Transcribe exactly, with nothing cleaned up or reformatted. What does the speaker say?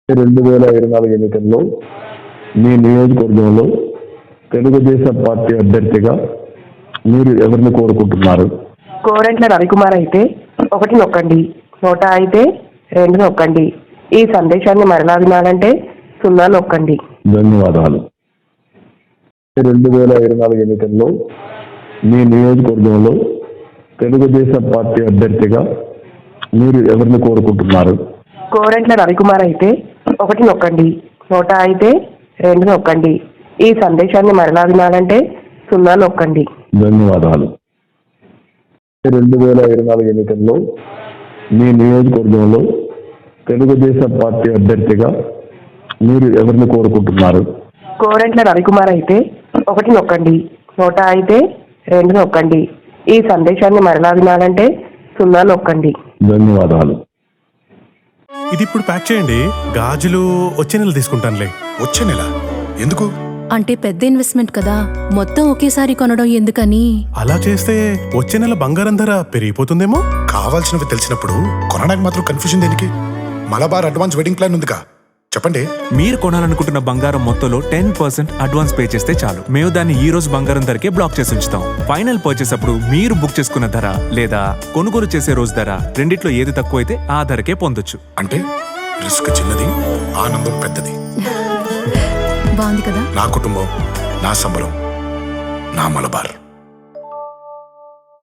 రెండు వేల ఇరవై నాలుగు ఎన్నికల్లో మీ నియోజకవర్గంలో తెలుగుదేశం పార్టీ అభ్యర్థిగా మీరు ఎవరిని కోరుకుంటున్నారు? కోరంట్ల రవికుమార్ అయితే ఒకటి నొక్కండి, నోటా అయితే రెండు నొక్కండి. ఈ సందేశాన్ని మరలా వినాలంటే సున్నా నొక్కండి. ధన్యవాదాలు. రెండు వేల ఇరవై నాలుగు ఎన్నికల్లో మీ నియోజకవర్గంలో తెలుగుదేశం పార్టీ అభ్యర్థిగా మీరు ఎవరిని కోరుకుంటున్నారు? కోరంట్ల రవికుమార్ అయితే ఒకటి నొక్కండి, నోటా అయితే రెండు నొక్కండి. ఈ సందేశాన్ని మరలా వినాలంటే సున్నా నొక్కండి. ధన్యవాదాలు. రెండు వేల ఇరవై నాలుగు ఎన్నికల్లో మీ నియోజకవర్గంలో తెలుగుదేశం పార్టీ అభ్యర్థిగా మీరు ఎవరిని కోరుకుంటున్నారు? కోరంట్ల రవికుమార్ అయితే ఒకటి నొక్కండి, నోటా అయితే రెండు నొక్కండి. ఈ సందేశాన్ని మరలా వినాలంటే సున్నా నొక్కండి. ధన్యవాదాలు. ఇది ఇప్పుడు ప్యాక్ చేయండి. గాజులు వచ్చే నెల తీసుకుంటానులే. వచ్చే నెల ఎందుకు? అంటే పెద్ద ఇన్వెస్ట్మెంట్ కదా, మొత్తం ఒకేసారి కొనడం ఎందుకని. అలా చేస్తే వచ్చే నెల బంగారం ధర పెరిగిపోతుందేమో. కావాల్సినవి తెలిసినప్పుడు కొనడానికి మాత్రం కన్ఫ్యూజన్ దేనికి? మలబార్ అడ్వాన్స్ వెడ్డింగ్ ప్లాన్ ఉందిగా, చెప్పండి. మీరు కొనాలనుకుంటున్న బంగారం మొత్తంలో టెన్ పర్సెంట్ అడ్వాన్స్ పే చేస్తే చాలు. మేము దాన్ని ఈ రోజు బంగారం ధరకే బ్లాక్ చేసి ఉంచుతాం. ఫైనల్ పర్చేస్ అప్పుడు మీరు బుక్ చేసుకున్న ధర లేదా కొనుగోలు చేసే రోజు ధర రెండిట్లో ఏది తక్కువ అయితే ఆ ధరకే పొందొచ్చు. అంటే రిస్క్ చిన్నది, ఆనందం పెద్దది. బాగుంది కదా. నా కుటుంబం, నా సంబరం, నా మలబార్.